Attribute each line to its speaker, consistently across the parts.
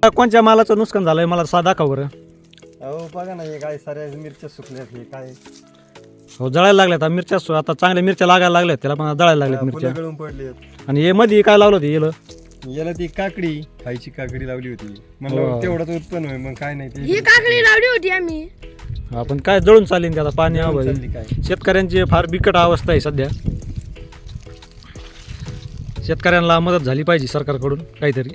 Speaker 1: आता कोणत्या मालाचं नुकसान झालंय मला साधा दाखव बरं.
Speaker 2: अहो बघा ना, हे काय साऱ्या मिरच्या सुकल्यात, हे काय
Speaker 1: हो जळायला लागल्यात आता मिरच्या. आता चांगल्या मिरच्या लागायला लागल्यात, त्याला पण जळायला लागल्यात मिरच्या.
Speaker 2: फुलं गळून पडलेत.
Speaker 1: आणि हे मध्ये काय लावलं होतं येलं?
Speaker 2: याला ती काकडी खायची काकडी लावली होती, म्हणलं तेवढंच उत्पन्न होईल, मग काय नाही
Speaker 3: ही काकडी लावली होती आम्ही.
Speaker 1: आपण काय जळून चालेल त्याला पाणी हवं.
Speaker 2: चालली काय.
Speaker 1: शेतकऱ्यांची फार बिकट अवस्था आहे सध्या. शेतकऱ्यांना मदत झाली पाहिजे सरकारकडून काहीतरी.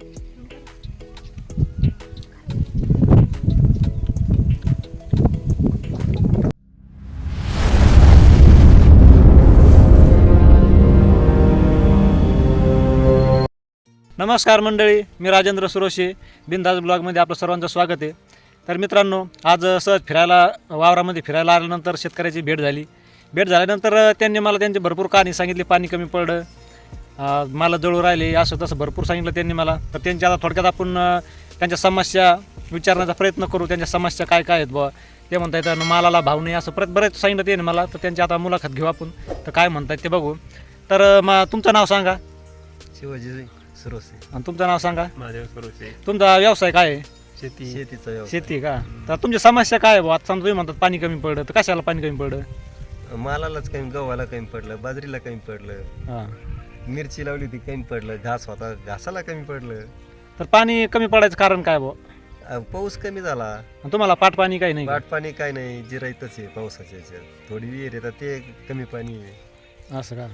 Speaker 1: नमस्कार मंडळी, मी राजेंद्र सुरोशे. बिनधास्त ब्लॉगमध्ये आपलं सर्वांचं स्वागत आहे. तर मित्रांनो, आज सहज फिरायला वावरामध्ये फिरायला आल्यानंतर शेतकऱ्याची भेट झाली. भेट झाल्यानंतर त्यांनी मला त्यांची भरपूर कहाणी सांगितली. पाणी कमी पडलं, मला जळू राहिले, असं तसं भरपूर सांगितलं त्यांनी मला. तर त्यांच्या आता थोडक्यात आपण त्यांच्या समस्या विचारण्याचा प्रयत्न करू. त्यांच्या समस्या काय काय आहेत बुवा. ते म्हणता येतं मालाला भाव नाही, असं बरेच सांगितलं त्याने मला. तर त्यांची आता मुलाखत घेऊ आपण, तर काय म्हणतात ते बघू. तर तुमचं नाव सांगा.
Speaker 2: शिवाजी सुरोसे.
Speaker 1: आणि तुमचं नाव सांगा.
Speaker 2: महादेव सुरोसे.
Speaker 1: तुमचा व्यवसाय काय आहे?
Speaker 2: शेतीचा व्यवसाय.
Speaker 1: शेती का? तर तुमची समस्या काय आहे बुवा? आता समजा तुम्ही म्हणतात पाणी कमी पडलं, तर कशाला पाणी कमी पडलं?
Speaker 2: मालालाच कमी, गव्हाला कमी पडलं, बाजरीला कमी पडलं,
Speaker 1: हां.
Speaker 2: मिरची लावली होती कमी पडलं, घास होता घासाला कमी पडलं.
Speaker 1: तर पाणी कमी पडायचं कारण काय बुवा?
Speaker 2: पाऊस कमी झाला.
Speaker 1: आणि तुम्हाला पाट पाणी काही नाही का?
Speaker 2: पाट पाणी काय नाही, जिरायतच आहे पावसाच्या ह्याच्यात. थोडी विहीर येतात ते कमी पाणी आहे.
Speaker 1: असं का?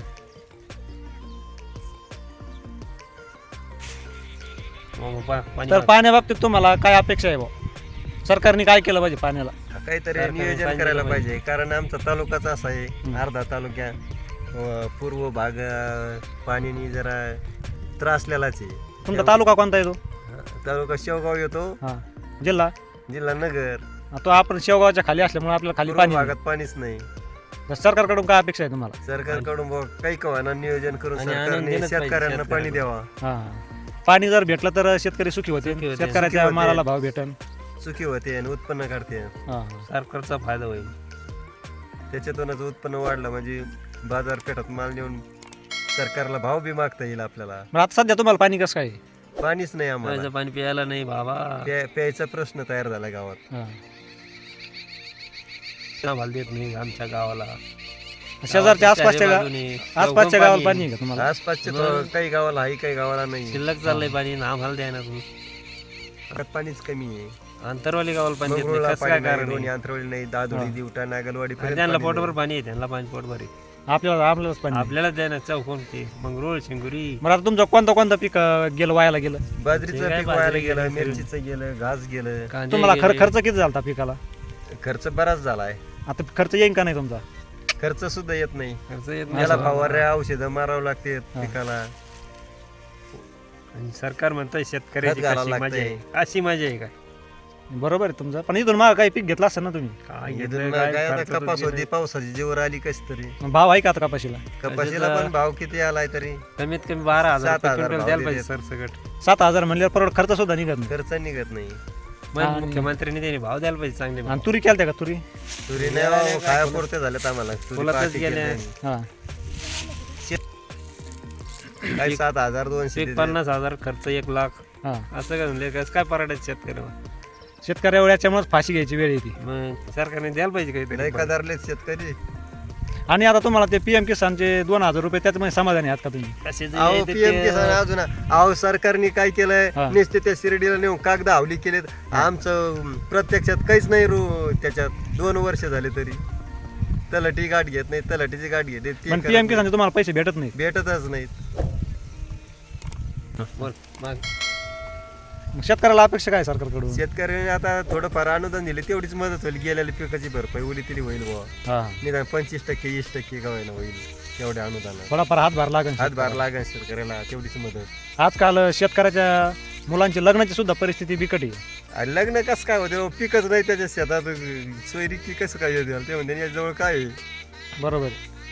Speaker 1: तर पाण्याबाबतीत तुम्हाला काय अपेक्षा आहे बुवा? सरकारने काय केलं पाहिजे पाण्याला?
Speaker 2: काहीतरी नियोजन करायला पाहिजे, कारण आमचा तालुकाच असा आहे. अर्धा तालुक्या पूर्व भाग पाण्याने जरा त्रासलेलाच आहे.
Speaker 1: तुमचा तालुका कोणता येतो?
Speaker 2: तालुका शेवगाव येतो.
Speaker 1: हां. जिल्हा?
Speaker 2: जिल्हा नगर.
Speaker 1: तो आपण शेवगावच्या खाली असल्यामुळे आपल्याला खाली
Speaker 2: पूर्व
Speaker 1: पाणी
Speaker 2: भागात पाणीच नाही.
Speaker 1: तर सरकारकडून काय अपेक्षा आहे तुम्हाला?
Speaker 2: सरकारकडून काही कवाना नियोजन करून सरकारने शेतकऱ्यांना पाणी द्यावा.
Speaker 1: हां. पाणी जर भेटलं तर शेतकरी सुखी होते, शेतकऱ्याच्या मालाला भाव भेटन,
Speaker 2: सुखी होते आणि उत्पन्न काढते.
Speaker 4: सरकारचा फायदा होईल.
Speaker 2: त्याच्यातूनच उत्पन्न वाढलं म्हणजे बाजारपेठात माल नेऊन सरकारला भाव बी मागता येईल आपल्याला.
Speaker 1: मग आता सध्या तुम्हाला पाणी कसं काय?
Speaker 2: पाणीच नाही आम्हाला.
Speaker 4: पाणी प्यायला नाही बाबा.
Speaker 2: प्यायचा प्रश्न तयार झाला गावात.
Speaker 4: भाल देत नाही आमच्या गावाला.
Speaker 1: शेजारच्या आसपासच्या गावाला पाणी आहे का तुम्हाला?
Speaker 2: आसपासच्या काही गावाला आहे, काही गावाला नाही.
Speaker 4: शिल्लक चाललंय पाणी, आम्हाला द्या ना तुम्ही.
Speaker 2: पाणीच कमी आहे.
Speaker 4: अंतरवाली गावाला पाणी देत नाही.
Speaker 2: मंगरुळला
Speaker 4: कसं काय
Speaker 2: पाणी नाही,
Speaker 4: कारण
Speaker 2: दोन्ही अंतरवली नाही, दादोडी दिवटा नागलवाडी
Speaker 4: आहे? त्यांना पोटभर पाणी आहे, त्यांना पाणी पोटभर आहे.
Speaker 1: आपल्यालाच पाणी.
Speaker 4: आपल्याला द्या ना चौकोन ते मंगरुळ शिंगुरी.
Speaker 1: मग आता तुमचं कोणतं पीक गेलं वायाला गेलं?
Speaker 2: बाजरीचं पीक वायाला गेलं, मिरचीचं गेलं, घास गेलं.
Speaker 1: तुम्हाला खर्च किती झाला पिकाला?
Speaker 2: खर्च बराच झालाय.
Speaker 1: आता खर्च येईन का नाही तुमचा?
Speaker 2: खर्च सुद्धा येत नाही.
Speaker 4: खर्च येत
Speaker 2: याला फवाऱ्या औषधं मारावं लागते पिकाला.
Speaker 4: आणि सरकार म्हणतंय शेतकऱ्याची
Speaker 2: खत घालावं
Speaker 4: कशी मजा आहे, अशी मजा आहे काय?
Speaker 1: बरोबर आहे तुमचं. पण इथून मग काही पीक घेतलं असतं ना तुम्ही?
Speaker 4: काय
Speaker 2: इथून
Speaker 4: घेतलं,
Speaker 2: मग
Speaker 4: काय
Speaker 2: काय आता
Speaker 4: खर्च तर
Speaker 2: कपास
Speaker 4: गेलं.
Speaker 2: होती, पावसाची जीवर आली कशी तरी.
Speaker 1: भाव आहे का आता कपाशीला?
Speaker 2: कपाशीला पण भाव किती आलाय तरी
Speaker 4: कमीत कमी 12,000
Speaker 2: 7,000
Speaker 4: क्विंटल
Speaker 2: भाव
Speaker 4: द्यायला पाहिजे
Speaker 2: देतात.
Speaker 4: सरसकट.
Speaker 1: 7,000 म्हणल्यावर परवड खर्च सुद्धा निघत नाही.
Speaker 2: खर्च निघत नाही.
Speaker 4: मग मुख्यमंत्र्यांनी त्याने भाव द्यायला पाहिजे चांगले भाव.
Speaker 1: आणि तुरी केलत्या का तुरी?
Speaker 2: तुरी नाही खाया पुरते झालेत आम्हाला. तुरी
Speaker 4: फुलातच
Speaker 2: पार्टी केली
Speaker 4: गेल्या.
Speaker 2: नाही.
Speaker 1: हां.
Speaker 2: काही 7,200
Speaker 4: एक 50,000 खर्च 1,00,000
Speaker 1: हां.
Speaker 4: असं काय म्हणले काय परवडायचं शेतकऱ्याला?
Speaker 1: शेतकऱ्या याच्यामुळेच फाशी घ्यायची वेळ येते.
Speaker 4: मग सरकारने द्यायला पाहिजे
Speaker 2: लय
Speaker 4: काहीतरी.
Speaker 2: कदारलेत शेतकरी.
Speaker 1: आणि आता तुम्हाला ते PM किसानचे 2,000 रुपये त्याच्यामध्ये समाधानी आहात का तुम्ही?
Speaker 4: कशाचं
Speaker 2: अहो
Speaker 4: आहे ते
Speaker 2: PM किसान अजून अहो सरकारने काय केलंय,
Speaker 1: हा.
Speaker 2: नुसते त्या शिर्डीला नेऊन कागद हावली केलेत. आमचं प्रत्यक्षात काहीच नाही त्याच्यात 2 वर्ष झाले तरी तलाठी गाठ घेत नाही, तलाठीची गाठ घेते ती
Speaker 1: पण
Speaker 2: करत
Speaker 1: PM
Speaker 2: नाही.
Speaker 1: किसानचे तुम्हाला पैसे भेटत नाही.
Speaker 2: भेटतच नाहीत.
Speaker 4: बोल, मग
Speaker 1: मग शेतकऱ्याला अपेक्षा काय सरकारकडून?
Speaker 2: शेतकऱ्याने आता थोडंफार अनुदान दिले, तेवढीच मदत होईल. गेलेल्या पिकाची भरपाई उली तरी होईल बुवा.
Speaker 1: हां.
Speaker 2: निदान 25% 20% का होईना होईल एवढ्या अनुदानात.
Speaker 1: थोडाफार हातभार लागेल.
Speaker 2: हातभार लागेल शेतकऱ्याला, तेवढीच मदत.
Speaker 1: आजकाल शेतकऱ्याच्या मुलांची लग्नाची सुद्धा परिस्थिती बिकट आहे.
Speaker 2: आणि लग्न कसं काय होते, पिकच नाही त्याच्या शेतात, सोयरी की कसं काय होते ते म्हणते याजवळ काय आहे?
Speaker 1: बरोबर.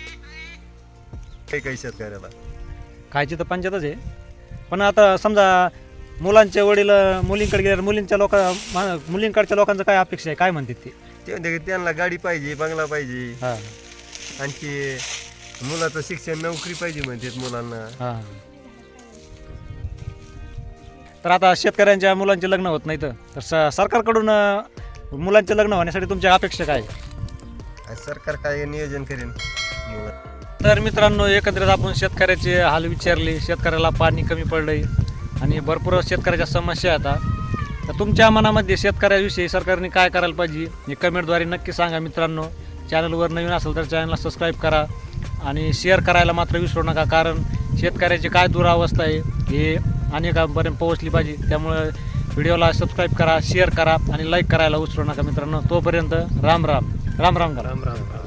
Speaker 2: काही शेतकऱ्याला
Speaker 1: खायची तर पंचायतच आहे. पण आता समजा मुलांचे वडील मुलींकडे गेल्यावर मुलींकडच्या लोकांचं काय अपेक्षा आहे, काय म्हणतात ते?
Speaker 2: ते म्हणते की त्यांना गाडी पाहिजे, बंगला पाहिजे,
Speaker 1: हां.
Speaker 2: आणखी मुलाचं शिक्षण, नोकरी पाहिजे म्हणतात मुलांना.
Speaker 1: हां. तर आता शेतकऱ्यांच्या मुलांचे लग्न होत नाहीत तर सरकारकडून मुलांचे लग्न होण्यासाठी तुमच्या अपेक्षा काय आहे?
Speaker 2: आणि सरकार काय नियोजन करेन
Speaker 1: तर मित्रांनो, एकंदरीत आपण शेतकऱ्याचे हाल विचारले. शेतकऱ्याला पाणी कमी पडलंय आणि भरपूर शेतकऱ्याच्या समस्या आता. तर तुमच्या मनामध्ये शेतकऱ्याविषयी सरकारने काय करायला पाहिजे हे कमेंटद्वारे नक्की सांगा मित्रांनो. चॅनलवर नवीन असेल तर चॅनलला सबस्क्राईब करा आणि शेअर करायला मात्र विसरू नका, कारण शेतकऱ्याची काय दुरावस्था आहे हे अनेकांपर्यंत पोहोचली पाहिजे. त्यामुळे व्हिडिओला सबस्क्राईब करा, शेअर करा आणि लाईक करायला विसरू नका मित्रांनो. तोपर्यंत राम राम राम राम करा.
Speaker 4: राम राम.